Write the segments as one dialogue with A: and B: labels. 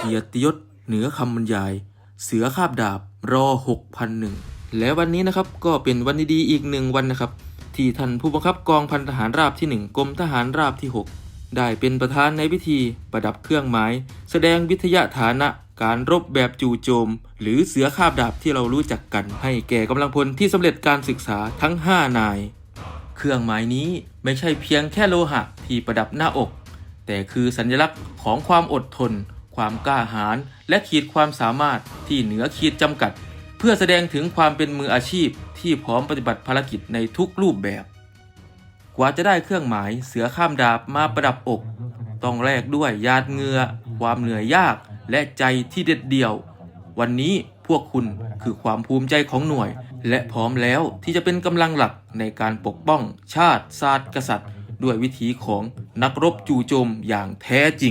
A: กียรติยศเหนือคำบรรยายเสือคาบดาบรอ6001และวันนี้นะครับก็เป็นวันดีๆอีกหนึ่งวันนะครับที่ท่านผู้บังคับกองพันทหารราบที่1กรมทหารราบที่6ได้เป็นประธานในพิธีประดับเครื่องหมายแสดงวิทยาฐานะการรบแบบจู่โจมหรือเสือคาบดาบที่เรารู้จักกันให้แก่กำลังพลที่สำเร็จการศึกษาทั้ง5นายเครื่องหมายนี้ไม่ใช่เพียงแค่โลหะที่ประดับหน้าอกแต่คือสัญลักษณ์ของความอดทนความกล้าหาญและขีดความสามารถที่เหนือขีดจำกัดเพื่อแสดงถึงความเป็นมืออาชีพที่พร้อมปฏิบัติภารกิจในทุกรูปแบบกว่าจะได้เครื่องหมายเสือข้ามดาบมาประดับอกต้องแลกด้วยหยาดเหงื่อความเหนื่อยยากและใจที่เด็ดเดี่ยววันนี้พวกคุณคือความภูมิใจของหน่วยและพร้อมแล้วที่จะเป็นกำลังหลักในการปกป้องชาติศาสตร์กษัตริย์ด้วยวิถีของนักรบจู่โจมอย่างแท้จริง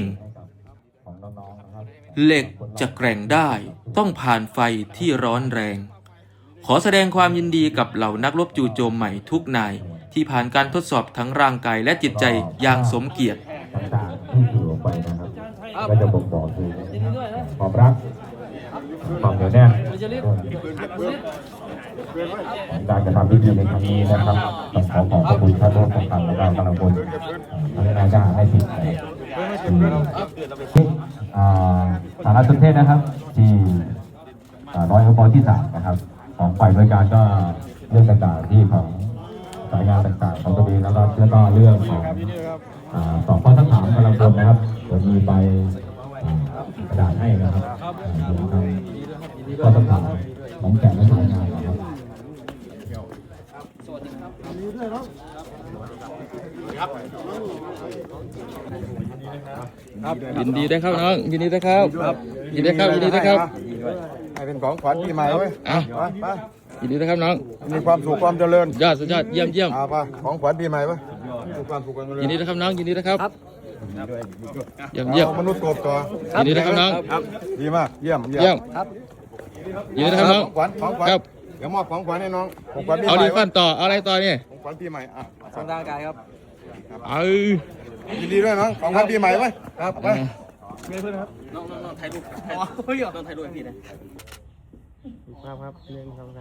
A: เหล็กจะแกร่งได้ต้องผ่านไฟที่ร้อนแรงขอแสดงความยินดีกับเหล่านักรบจู่โจมใหม่ทุกนายที่ผ่านการทดสอบทั้งร่างกายและจิตใจอย่างสมเกียรติ
B: ต่างๆที่สื่อออกไปนะครับก็จะบ่งบอกถึงความรักความเหนียวแน่นการกระทำพิธีในครั้งนี้นะครับต้องขอขอบคุณท่านผู้ปกครองและกำลังพลทั้งนายทหารในสิบสารสนเทศนะครับที่ร้อยอบที่3นะครับของฝ่ายบริการก็เรื่องต่างๆที่ของสายงานต่างๆของตัวเองแล้วก็เรื่องของตอบข้อสักถามกำลังพลนะครับเดี๋ยวมีใบกระดาษให้นะครับข้อสักถามของแต่ละสายงานนะครับ
A: ยินดีได้ครับน้องยินดีได้ครับยินดีได้ครับยินดีได้ครับ
C: ให้เป็นของขวัญปีใหม่เว้ยไป
A: ยินดีได้ครับน้อง
C: มีความสุขความเจริญ
A: ยอดสุดยอดเยี่ยม
C: ป่ะของขวัญปีใหม่เว้ยความสุขความเจริญ
A: ยินดีได้ครับน้องยินดีได้ครับเยี่ยม
C: มนุษย์กบต่อ
A: ยินดีได้ครับน้อง
C: ดีมากเยี่ยม
A: ครับยินดีได้ครับน้อง
C: ของขวัญเดี๋ยวมอบของขวัญให้น้องของขวัญปีใหม่
A: เอาดีฟันต่ออะไรต่อเนี่ย
C: ของขวัญปีใหม่
D: สร้างร่างกายครับ
C: ยินดีด้วยน้องของขวัญปีใหม่เว้ย
D: ครับ
C: ไป
D: เพื่อนครับน้องถ่ายรูปน้องถ่ายรูปพี่นะครับ1 2 3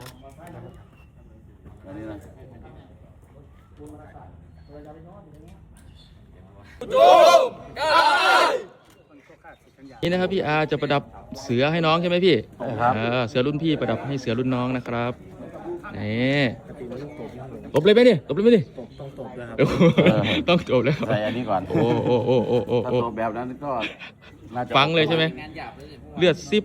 A: นี่นะครับพี่อาจะประดับเสือให้น้องใช่ไหมพี่
C: ครับ
A: เสือรุ่นพี่ประดับให้เสือรุ่นน้องนะครับนี่ตบเลยไหมนี่ตบเลยไหมนี่ต้องจบแล้ว
E: ใส่อันนี้ก่อน
A: โอ้
E: ถ้าตบแบบนั้นก็น่าจะ
A: ฟังเลยใช่ไหมเลือดซิบ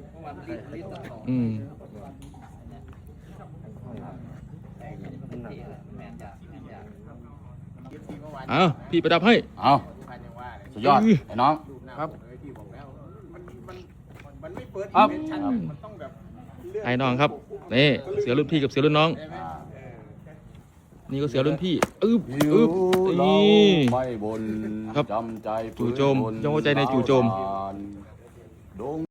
A: พี่ประดับให้
E: เอาสุดยอดไอ้น้อง
C: ครับ
A: ไอ้น้องครับนี่เสือรุ่นพี่กับเสือรุ่นน้องนี่ก็เสือรุ่นพี่
E: นี่ไม่บน
A: ครับ
E: จำใจ
A: จู่โจมย่อใจในจู่โจม